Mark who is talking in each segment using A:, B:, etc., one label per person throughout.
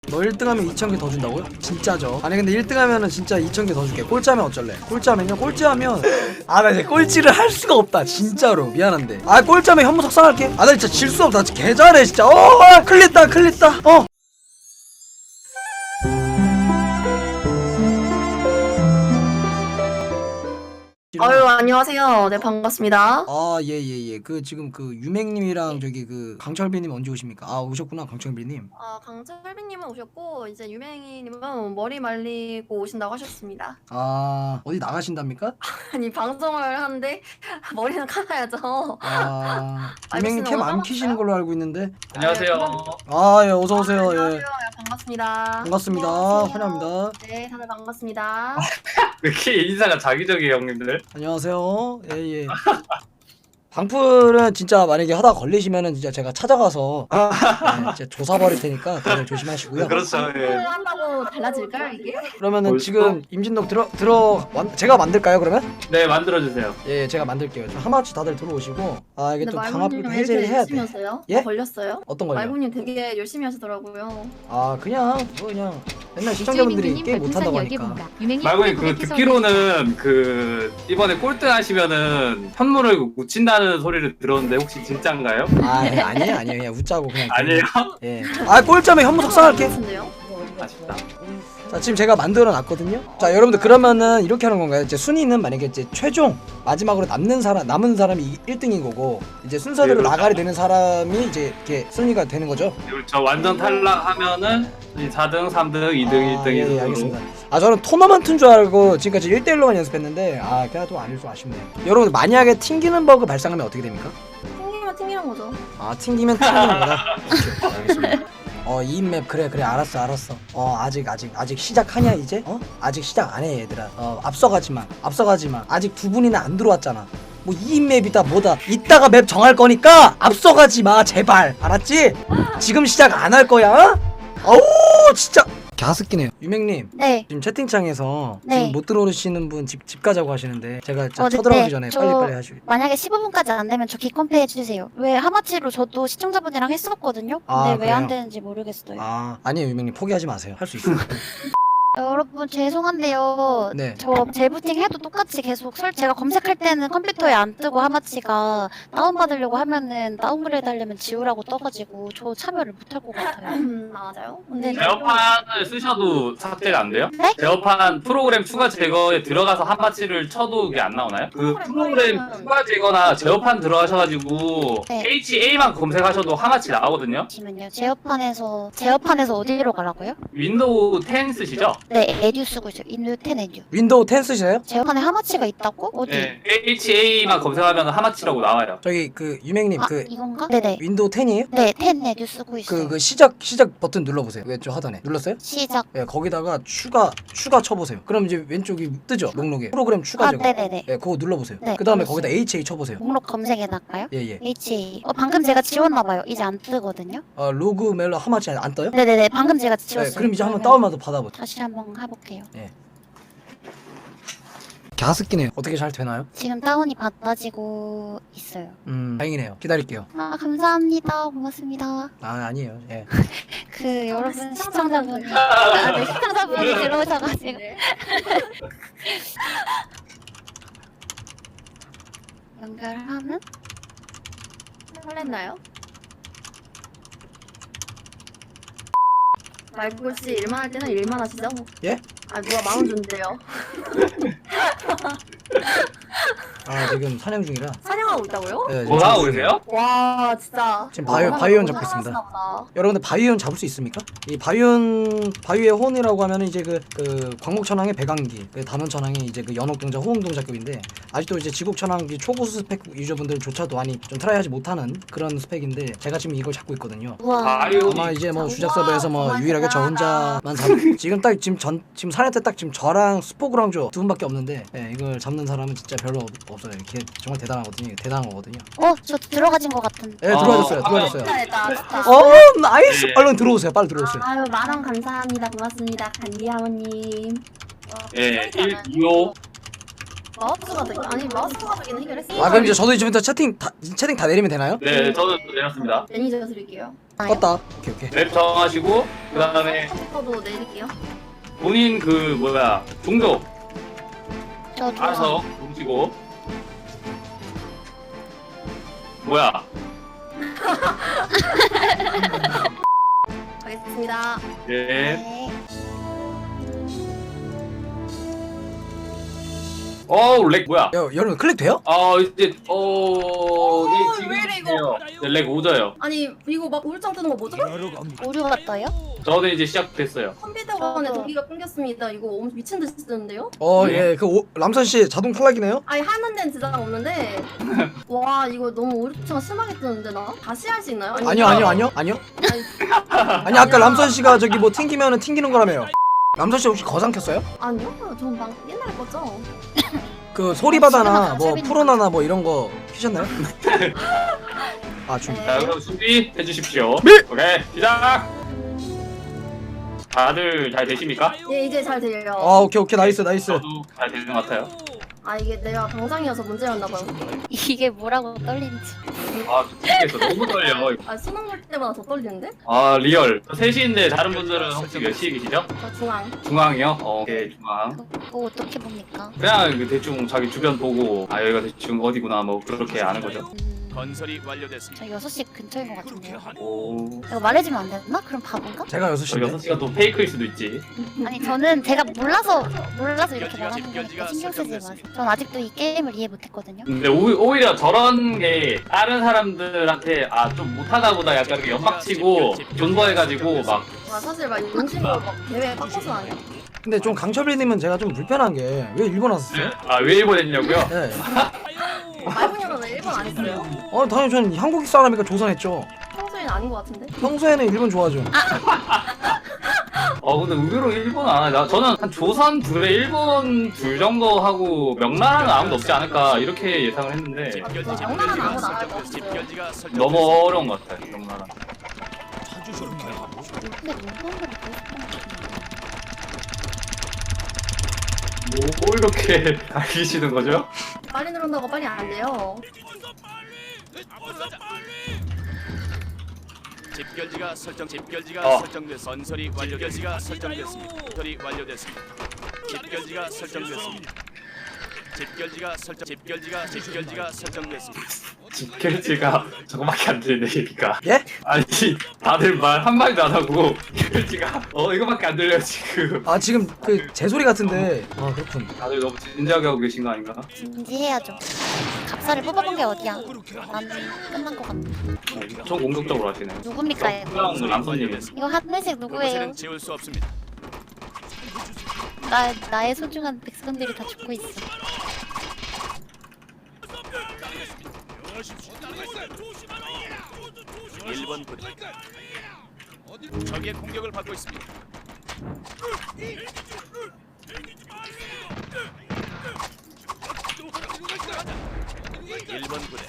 A: 너 1등하면 2,000개 더 준다고요? 진짜죠. 아니 근데 1등하면은 진짜 2,000개 더 줄게. 꼴찌하면 어쩔래? 꼴찌하면요? 꼴찌하면 아 나 이제 꼴찌를 할 수가 없다 진짜로. 미안한데 아 꼴찌하면 현무 석상할게. 아 나 진짜 질 수 없다. 개 잘해 진짜. 클릭다
B: 아유 안녕하세요. 네 반갑습니다.
A: 아 예. 그 지금 그 유맹님이랑 저기 그 강철빈님 언제 오십니까? 아 오셨구나 강철빈님.
B: 아 강철빈님은 오셨고 이제 유맹이님은 머리 말리고 오신다고 하셨습니다.
A: 아 어디 나가신답니까?
B: 아니 방송을 하는데 머리는 감아야죠.
A: 아 유맹님 캠 안 키시는 걸로 알고 있는데.
C: 안녕하세요.
A: 아 예 어서 오세요.
B: 안녕하세요.
A: 예
B: 반갑습니다.
A: 반갑습니다.
B: 안녕하세요.
A: 환영합니다.
B: 네 다들 반갑습니다.
C: 왜 이렇게 인사가 자기적이에요, 형님들?
A: 안녕하세요. 예. 방풀은 진짜 만약에 하다 걸리시면은 진짜 제가 찾아가서 진짜 조사 버릴 테니까 다들 조심하시고요.
C: 그렇죠. 예.
B: 한다고 달라질까요 이게?
A: 그러면은
C: 벌써?
A: 지금 임진동 제가 만들까요 그러면?
C: 네, 만들어주세요.
A: 예 제가 만들게요. 하마치 다들 들어오시고 아 이게
B: 근데
A: 또
B: 말부님
A: 방합을
B: 왜
A: 해제를
B: 이렇게
A: 해야
B: 열심히
A: 돼.
B: 하세요?
A: 예?
B: 걸렸어요?
A: 어떤 걸요?
B: 말부님 되게 열심히 하시더라고요.
A: 아 그냥 맨날 시청자분들이 게임 못한다고 하니까.
C: 말고님 그 듣기로는 그 이번에 꼴등 하시면은 현무를 묻힌다는 소리를 들었는데 혹시 진짠가요?
A: 아 예, 아니에요 그냥 웃자고 그냥.
C: 아니에요?
A: 예. 아 꼴찌하면 현무 석상할게.
B: 같은데요?
C: 아쉽다.
A: 자 지금 제가 만들어 놨거든요. 자 여러분들 그러면은 이렇게 하는 건가요? 이제 순위는 만약에 이제 최종 마지막으로 남은 사람이 1등인 거고 이제 순서대로
C: 네, 그렇죠.
A: 나가리 되는 사람이 이제 이렇게 순위가 되는 거죠.
C: 그렇죠. 완전 탈락하면은 4등, 3등, 2등, 1등
A: 예,
C: 이런
A: 알겠습니다. 아 저는 토너먼트인 줄 알고 지금까지 1대1로만 연습했는데 아 그래도 아닐 좀 아쉽네요. 여러분들 만약에 튕기는 버그 발생하면 어떻게 됩니까?
B: 튕기는 거죠.
A: 아 튕기면 튕기는 거다. 오케이, 알겠습니다. 이 맵 그래 알았어. 아직 시작하냐 이제? 아직 시작 안 해 얘들아. 앞서가지 마. 아직 두 분이나 안 들어왔잖아. 뭐 이 맵이다 뭐다. 이따가 맵 정할 거니까 앞서가지 마 제발. 알았지? 지금 시작 안 할 거야. 어우 진짜 갸스끼네요. 유맹님.
D: 네.
A: 지금 채팅창에서
D: 네.
A: 지금 못 들어오시는 분 집 가자고 하시는데 제가 진짜
D: 네,
A: 쳐들어가기 전에
D: 저
A: 빨리 하시고.
D: 만약에 15분까지 안 되면 저 기컴페 해주세요. 왜 하마치로 저도 시청자분이랑 했었거든요.
A: 아,
D: 근데 왜 안
A: 그래요?
D: 되는지 모르겠어요.
A: 아니에요 유맹님 포기하지 마세요. 할 수 있어요.
D: 여러분 죄송한데요.
A: 네.
D: 저 재부팅 해도 똑같이 계속 제가 검색할 때는 컴퓨터에 안 뜨고 하마치가 다운받으려고 하면은 다운그레이드 하려면 지우라고 떠가지고 저 참여를 못할 것 같아요.
B: 맞아요.
D: 근데
C: 제어판을 쓰셔도 삭제가 안 돼요?
D: 네?
C: 제어판 프로그램 추가 제거에 들어가서 한마치를 쳐도 이게 안 나오나요? 그 프로그램 추가 제거나 제어판 들어가셔가지고
D: 네.
C: HA만 검색하셔도 한마치 나오거든요?
D: 잠시만요. 제어판에서 어디로 가라고요?
C: 윈도우 10 쓰시죠?
D: 네, 에듀 쓰고 있어요. 인류 10 에듀.
A: 윈도우 10 쓰시나요?
D: 제어판에 하마치가 있다고? 어디?
C: 네, HA만 검색하면 하마치라고 나와요.
A: 저기 그 유맹님
D: 아,
A: 그
D: 이건가? 네네.
A: 윈도우 10이에요?
D: 네, 10 에듀 쓰고 있어요.
A: 그 시작 버튼 눌러보세요. 왼쪽 하단에 눌렀어요?
D: 시작.
A: 예, 거기다가 추가 쳐보세요. 그럼 이제 왼쪽이 뜨죠 목록에 프로그램 추가
D: 아,
A: 제거.
D: 네네네.
A: 예, 그거 눌러보세요.
D: 네,
A: 그 다음에
D: 눌렀어요.
A: 거기다 HA 쳐보세요.
D: 목록 검색해 놨까요?
A: 예.
D: HA. 방금 제가 지웠나봐요. 이제 안 뜨거든요.
A: 로그 멜로 하마치 안 떠요?
D: 네네네. 방금 제가
A: 예,
D: 지웠어요.
A: 그럼 이제 한번
D: 그러면
A: 다운받아 받아보죠.
D: 다시 한번 해볼게요.
A: 갸스끼네요. 어떻게 잘 되나요?
D: 지금 다운이 받아지고 있어요.
A: 다행이네요. 기다릴게요.
D: 아, 감사합니다. 고맙습니다.
A: 아니에요. 예.
D: 그 여러분 시청자분이 네, 시청자분이 들어오셔가지고 연결하면
B: 설렜나요? 말고씨 일만 할 때는 일만 하시죠?
A: 예?
B: 아 누가 마음 준대요.
A: 지금 사냥 중이라.
B: 사냥하고 있다고요?
A: 예, 지금
C: 뭐 하고
A: 사냥 중이에요.
C: 계세요?
B: 와 진짜.
A: 지금 바이온 잡고 있습니다.
B: 사랑하시나 보다.
A: 여러분들 바이온 잡을 수 있습니까? 이 바위의 혼이라고 하면은 이제 그 광목천왕의 배강기, 그 단원천왕의 이제 그 연옥동자 호응동자급인데 아직도 이제 지국천왕기 초고수 스펙 유저분들조차도 많이 좀 트라이하지 못하는 그런 스펙인데 제가 지금 이걸 잡고 있거든요.
D: 우와.
C: 바이오
A: 아마 이제 뭐
B: 우와,
A: 주작 서버에서 뭐
B: 정말
A: 유일하게 저
B: 대단하다.
A: 혼자만 지금 딱 지금 사냥 때 딱 지금 저랑 스포그랑조 두 분밖에 없는데 이걸 잡는 사람은 진짜 별로 없어요. 이게 정말 대단한 거거든요.
D: 저 들어가진 것 같은.
A: 들어와줬어요.
B: 진짜 됐다. 진짜.
A: 나이스.
C: 예.
A: 얼른 들어오세요. 빨리 들어오세요.
B: 아유 만원 감사합니다. 고맙습니다. 간디아모님.
C: 예, 1, 2, 5.
B: 마우스가 되긴 아니 마우스가 되긴 해결했어요.
A: 아 그럼 이제 저도 이제부터 채팅 다 내리면 되나요?
C: 네, 저도 내렸습니다.
B: 매니저 드릴게요.
A: 껐다. 오케이.
C: 맵 정하시고 그 다음에
B: 컴퓨터도 내릴게요.
C: 본인 그 뭐야 종족
D: 저
C: 알아서 보시고 뭐야
B: 가겠습니다.
C: 예.
D: 네.
C: 렉 뭐야?
A: 야, 여러분 클릭 돼요?
C: 이제 이게 지금
B: 왜 이래, 이거?
C: 돼요. 네, 렉 오져요.
B: 아니 이거 막 우울증 뜨는 거 뭐죠?
D: 오류가 떠요?
C: 저도 이제 시작됐어요.
B: 컴퓨터관에
D: 저도.
B: 전기가 끊겼습니다. 이거 엄청 미친 듯이 뜨는데요?
A: 예. 람선 씨 자동 탈락이네요.
B: 아니 하는 데는 지장 없는데 와 이거 너무 우울증 심하게 뜨는데 나? 다시 할 수 있나요?
A: 아니요. 아니 아까 람선 씨가 저기 뭐 튕기면은 튕기는 거라며요. 람선 씨 혹시 거상 켰어요?
B: 아니요? 전 막 옛날에 거죠.
A: 그 소리바다나
D: 집에만
A: 뭐
D: 강철빈이
A: 프로나나 뭐 이런 거 키셨나요? 아 준비.
C: 자, 그럼 준비해 주십시오.
A: 네.
C: 오케이, 시작. 다들 잘 되십니까?
B: 예 이제 잘 들려요.
A: 오케이 나이스.
C: 저도 잘 되는 것 같아요.
B: 아 이게 내가 당장이어서 문제였나 봐요.
D: 이게 뭐라고 떨리는지.
C: 미치겠어. 너무 떨려.
B: 아 수능 볼 때마다 더 떨리는데?
C: 리얼. 3시인데 다른 분들은 혹시 몇 시에 계시죠?
B: 저 중앙.
C: 중앙이요? 오케이, 중앙.
D: 그거 어떻게 봅니까?
C: 그냥 대충 자기 주변 보고 여기가 대충 어디구나 뭐 그렇게 아는 거죠.
E: 건설이 완료됐습니다.
D: 저 6시 근처인 것 같은데요.
C: 오.
D: 이거 말해주면 안 되나? 그럼 바본가?
A: 제가
C: 저
A: 6시인데.
C: 6시가 또 페이크일 수도 있지.
D: 아니 저는 제가 몰라서 이렇게 말하는 거니까 신경 쓰지 마세요. 전 아직도 이 게임을 이해 못했거든요.
C: 근데 오히려 저런 게 다른 사람들한테 좀 못하다 보다 약간 이렇게 연막치고 존버해가지고 막
B: 아 사실 막 용심으로 막 대회 빡쳐서 아니야.
A: 근데 좀 강철빈님은 제가 좀 불편한 게 왜 일본 왔었어요?
C: 왜 일본 했냐고요?
A: 네.
B: 말분이로는 일본 안 했어요.
A: 당연히 전 한국 사람이니까 조선했죠.
B: 평소에는 아닌 것 같은데?
A: 평소에는 일본 좋아하죠.
C: 근데 의외로 일본 안 해. 저는 한 조선 둘에 일본 둘 정도 하고 명나라는 아무도 없지 않을까 이렇게 예상을 했는데
B: 명나라는 아무나 안 할 것 같아요.
E: 집결지가 설정.
C: 너무 어려운 것 같아요 명나라.
D: 근데 문방구를 계속
C: 뭐 이렇게 알리시는 거죠?
B: 빨리 누른다고 빨리 안 돼요.
E: 집결지가
C: 어.
E: 설정됐. 건설이 완료됐습니다. 설정됐습니다. 건설이 완료됐습니다. 집결지가 설정됐습니다. 집결지가 설정됐습니다.
C: 집결지가 저거밖에 안 들리네 얘기가.
A: 예?
C: 아니 다들 말 한마디도 안 하고 집결지가 이거밖에 안 들려요 지금.
A: 지금 그 제 소리 같은데. 그렇군.
C: 다들 너무 진지하게 하고 계신 거 아닌가?
D: 진지해야죠. 갑사를 뽑아본 게 어디야? 나는 끝난 것 같아.
C: 엄청 공격적으로 하시네.
D: 누굽니까 이거?
C: 그냥 남선님.
D: 이거 하늘색 누구예요?
E: 그곳에는 지울 수 없습니다.
D: 나의 소중한 백성들이 다 죽고 있어.
E: 일본 부대. 적의 공격을 받고 있습니다. 일본 부대.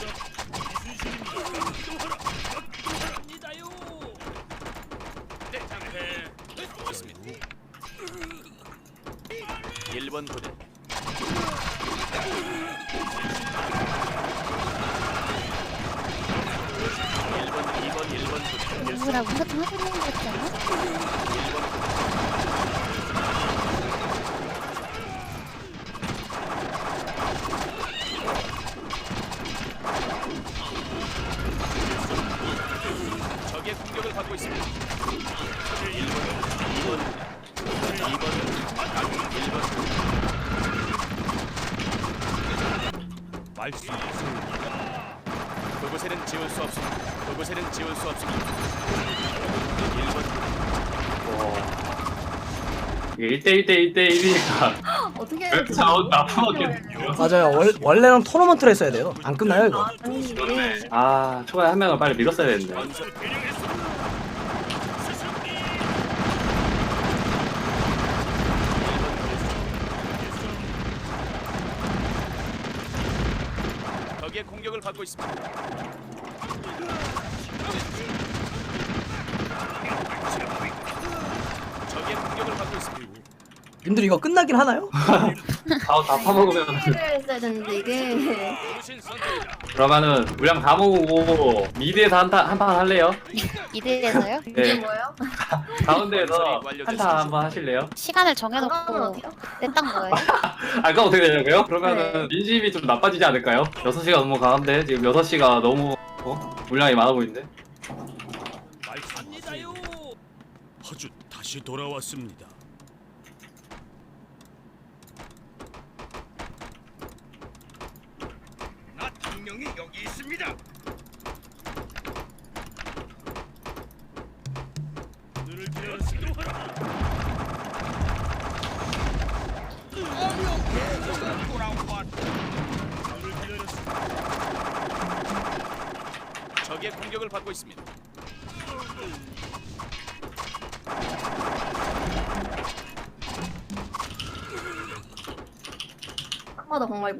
E: 일본 부대. 일본 부대.
D: 누구랑 우리가 좀 하고 있는 것 같지 않아?
E: 적의 공격을 받고 있습니다. 일본 그곳에는 지울 수 없습니다. 그곳에는 지울 수 없습니다. 일본
C: 이게 1대1이니까
B: 어떻게
C: 자원 나쁘게.
A: 맞아요. 원래는 토너먼트를 했어야 돼요. 안 끝나요 이거.
B: 아니 이게
C: 초반에 한 명을 빨리 밀었어야 되는데.
E: 건설 적의 공격을 받고 있습니다. 적의 공격을 받고 있습니다.
A: 님들 이거 끝나긴 하나요?
C: 다 파먹으면
B: 를 했어야 되는데 이게
E: 당신 선택이다.
C: 그러면은 물량 다 모으고 미드에서 한판 할래요?
D: 이대에서요?
B: 이게
C: 네.
B: 뭐예요?
C: 가운데에서 한타 한번 하실래요?
D: 시간을
B: 그러면
D: 정해놓고
B: 어디요?
D: 냈던 거예요.
C: 아까 어떻게 되냐고요? 그러면은
B: 네.
C: 민심이 좀 나빠지지 않을까요? 6시가 너무 강한데 지금 6시가 너무 물량이 많아 보이는데?
E: 말합니다요. 아주 다시 돌아왔습니다. 나 당명이 여기 있습니다. 눈을 기다렸습니다. 눈을 기다렸습니다. 적의 공격을 받고 있습니다.
B: 딱 봐도 정말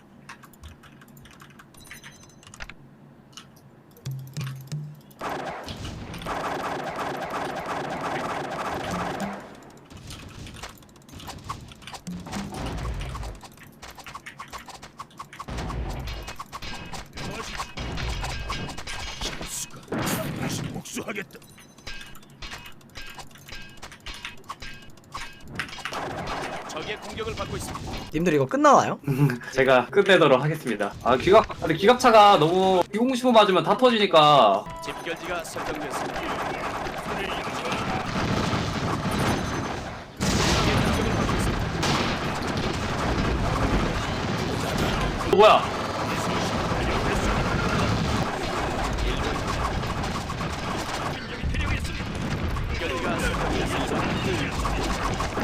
E: 수가 다시 복수하겠다. 적의 공격을 받고 있습니다.
A: 님들 이거 끝나나요?
C: 제가 끝내도록 하겠습니다. 근데 기갑차가 너무 2015 맞으면 다 터지니까
E: 집결지가 설정됐습니다.
C: 뭐야?
E: 집결지가 설정됐습니다.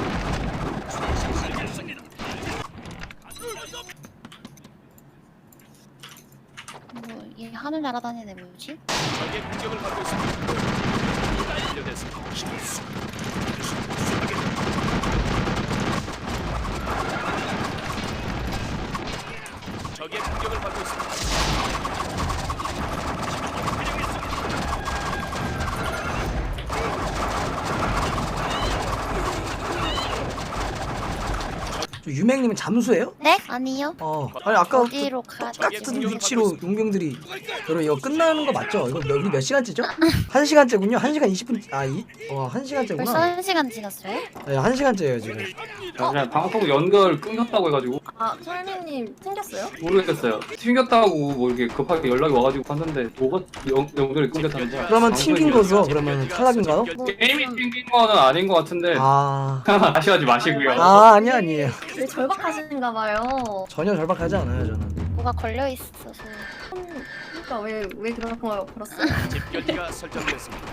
D: 뭐얘 하늘 날아다니네 뭐지?
E: 적의 공격을 받고 있습니다. 완료됐습니다. 적의 공격을 받고 있습니다.
A: 저 유맹님은 잠수예요?
D: 네? 아니요.
A: 아니 아까
D: 어디로 가?
A: 똑같은 위치로 용병들이 여러분 이거 끝나는 거 맞죠? 이거 우리 몇 시간째죠? 1시간째군요. 1시간 20분 1시간째구나.
D: 벌써 1시간 지났어요?
A: 네, 1시간째예요 지금.
C: 그냥 방송 연결 끊겼다고 해가지고
B: 아 설미님 생겼어요?
C: 모르겠어요. 튕겼다고 뭐 이렇게 급하게 연락이 와가지고 봤는데 뭐가 연결이 끊겼다는 거야.
A: 그러면
C: 방송이
A: 튕긴 거죠?
C: 연결이
A: 그러면 탈락인가요?
B: 뭐
C: 게임이 튕긴 거는 아닌 것 같은데 아쉬워하지 마시고요.
A: 아니에요.
B: 되게 절박하신가 봐요.
A: 전혀 절박하지 않아요 저는.
D: 뭐가 걸려 있어서.
B: 그러니까 왜 그런 거 걸었어요?
E: 집결지가 설정됐습니다.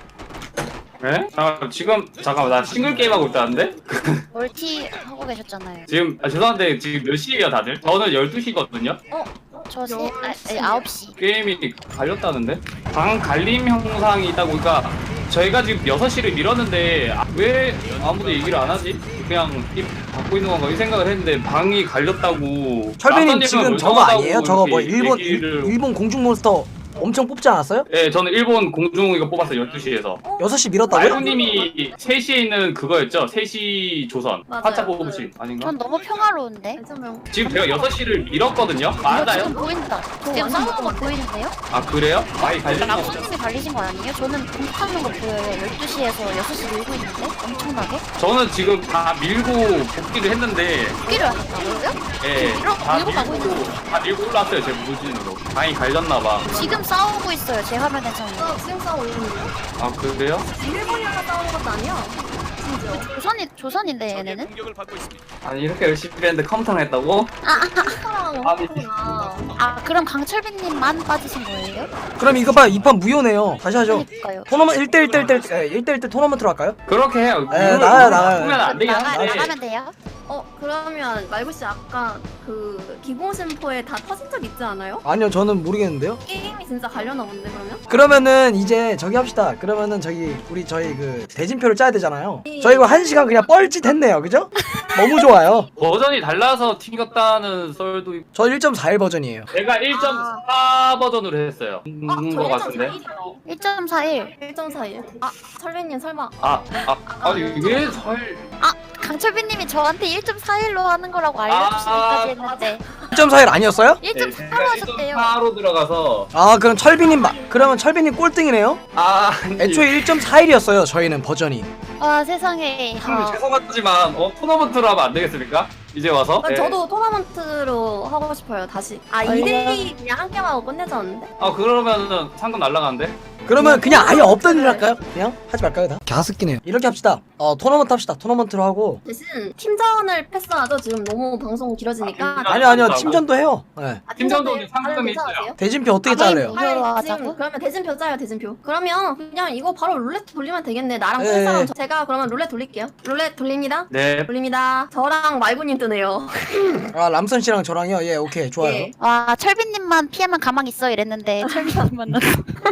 C: 네? 잠깐만 나 싱글 게임 하고 있다는데?
D: 멀티 하고 계셨잖아요.
C: 지금 죄송한데 지금 몇 시에요 다들? 저는 12시거든요?
D: 저 9시.
C: 게임이 갈렸다는데? 방 갈림 형상이 있다고. 그러니까 저희가 지금 6시를 밀었는데 왜 아무도 얘기를 안 하지? 그냥 입 닫고 있는 건가 이 생각을 했는데 방이 갈렸다고.
A: 철빈님
C: 아까님은
A: 지금 저거
C: 멀쩡하다고
A: 아니에요? 저거 뭐
C: 이렇게
A: 일본
C: 얘기를-
A: 일본 공중 몬스터 엄청 뽑지 않았어요?
C: 네 저는 일본 공중 이거 뽑았어요 12시에서.
A: 6시 밀었다고요?
C: 말구님이 3시에 있는 그거였죠? 3시 조선
B: 맞아요.
C: 화차 뽑으신 아닌가?
D: 전 너무 평화로운데.
B: 알잖아요.
C: 지금 제가 6시를 밀었거든요?
D: 지금
C: 맞아요?
D: 보인다. 지금 싸우는 거 보이는데요?
C: 아 그래요? 많이 갈리는 거
D: 라쿠님이 갈리신 거 아니에요? 저는 공격하는 거 보여요. 12시에서 6시 밀고 있는데? 엄청나게?
C: 저는 지금 다 밀고 복귀를 했는데
D: 복귀를 하셨다고요?
C: 예,
D: 밀고 가고 있는데?
C: 다 밀고 올랐어요 제 무진으로. 방이 갈렸나봐.
D: 지금 싸우고 있어요. 제 화면에서는.
B: 지금 싸우고 있는데
C: 아 그래요?
B: 일본이랑 싸우는 것도 아니야. 심지어.
D: 조선인데
E: 적의
D: 얘네는?
E: 공격을 받고 있습니다.
C: 아니 이렇게 열심히 했는데 컴퓨터를 했다고?
B: 사랑
C: 아니.
B: 엄청나.
D: 아 그럼 강철빈님만 빠지신 거예요?
A: 그럼 이거 봐요. 2판 무효네요. 다시 하죠.
D: 그러니까요.
A: 토너먼트 1대1 토너먼트로 할까요?
C: 그렇게 해요.
A: 네, 나가요.
C: 보면 안 되긴 한데.
D: 나가면 돼요?
B: 그러면 말구 씨 아까 그 기공심포에 다 터진 적 있지 않아요?
A: 아니요 저는 모르겠는데요.
B: 게임이 진짜 갈려나 본데 그러면?
A: 그러면은 이제 저기 합시다. 그러면은 저희 그 대진표를 짜야 되잖아요. 저희 이거 1시간 그냥 뻘짓 했네요. 그죠? 너무 좋아요.
C: 버전이 달라서 튕겼다는 썰도 있고.
A: 저 1.41 버전이에요.
C: 제가 1.4 버전으로 했어요. 거 같은데.
D: 1.41.
B: 1.41. 설레님 설마.
C: 아니 왜 설?
D: 강철빈님이 저한테 1.41로 하는 거라고 알려주시기까지 했는데
A: 1.41 아니었어요?
D: 1.4로 하셨대요.
C: 4로 들어가서
A: 아 그럼 철빈님 그러면 철빈님 꼴등이네요?
C: 아니,
A: 애초에 1.41이었어요 저희는 버전이.
D: 와 세상에.
C: 형님 죄송하지만 토너먼트로 하면 안 되겠습니까? 이제 와서? 네.
B: 저도 토너먼트로 하고 싶어요 다시. 아
D: 원래-
B: 2대2 그냥 한 게임 하고 끝내자는데.
C: 아 그러면은 상금 날라가는데?
A: 그러면 그냥 아예 없던 일 할까요? 그냥 하지 말까요 다? 갸스끼네요. 이렇게 합시다. 토너먼트 합시다. 토너먼트로 하고.
B: 대신 팀전을 패스하죠. 지금 너무 방송 길어지니까.
A: 아니요 팀전도 해요. 네.
C: 팀전도
B: 팀전도
C: 상금이
B: 다들
C: 있어요.
A: 대진표 어떻게 짜래요?
D: 무료로
B: 지금
D: 하자고?
B: 그러면 대진표 짜요 대진표. 그러면 그냥 이거 바로 룰렛 돌리면 되겠네. 나랑
A: 네.
B: 뜰 사람 제가 그러면 룰렛 돌릴게요. 룰렛 돌립니다.
C: 네.
B: 돌립니다. 저랑 말구님 뜨네요.
A: 아 람선 씨랑 저랑요. 예 오케이 좋아요.
B: 예.
D: 와 철빈님만 피하면 가만히 있어 이랬는데 철빈님 만났어.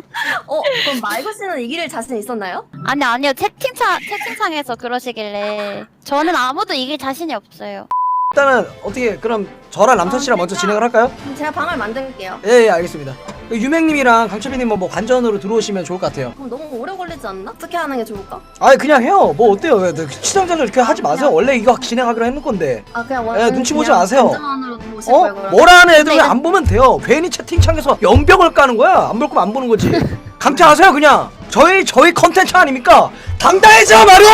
B: 그럼 말구 씨는 이길 자신 있었나요?
D: 아니요 채팅창에서 그러시길래 저는 아무도 이길 자신이 없어요.
A: 일단은 어떻게 그럼 저랑 람선 씨랑 먼저 진행을 할까요?
B: 그럼 제가 방을 만들게요.
A: 예 알겠습니다. 유맹님이랑 강철빈님 뭐 관전으로 들어오시면 좋을 것 같아요.
B: 그럼 너무 오래 걸리지 않나? 어떻게 하는 게 좋을까?
A: 아니 그냥 해요. 뭐 어때요? 왜 시청자들 그렇게 하지 마세요. 원래 이거 진행하기로 했는 건데.
B: 아 그냥
A: 눈치 보지 마세요.
B: 관전으로 보실 거예요 그럼?
A: 뭐라는 애들
D: 근데
A: 안 보면 돼요. 괜히 채팅창에서 연병을 까는 거야. 안 볼 거면 안 보는 거지. 강퇴하세요 그냥. 저희 컨텐츠 아닙니까? 당당해져 말이야.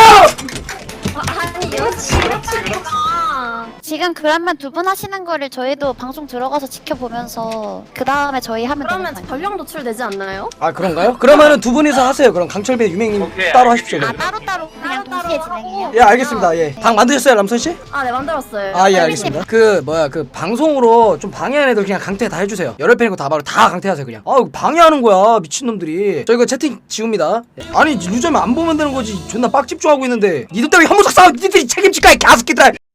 B: 아니 이렇게
D: 지금 그러면 두 분 하시는 거를 저희도 방송 들어가서 지켜보면서 그 다음에 저희 하면 되는
B: 그러면
D: 거예요.
B: 전령 노출되지 않나요?
A: 아 그런가요? 그러면은 두 분이서 하세요. 그럼 강철빈 유맹님
C: 오케이,
A: 따로 하십시오.
D: 아
A: 그럼.
D: 따로따로 그냥 동시에 진행해요?
A: 예 알겠습니다. 예. 방 만드셨어요 람선 씨?
B: 아 네 만들었어요.
A: 아 예 알겠습니다. 그 방송으로 좀 방해하는 애들 그냥 강퇴 다 해주세요. 열혈 팬이고 다 바로 다 강퇴하세요 그냥. 아 방해하는 거야 미친놈들이. 저 이거 채팅 지웁니다. 아니 유저면 안 보면 되는 거지. 존나 빡집중하고 있는데 니들 때문에 혐오적 싸움 니들이 책임질까 이 개새끼들아.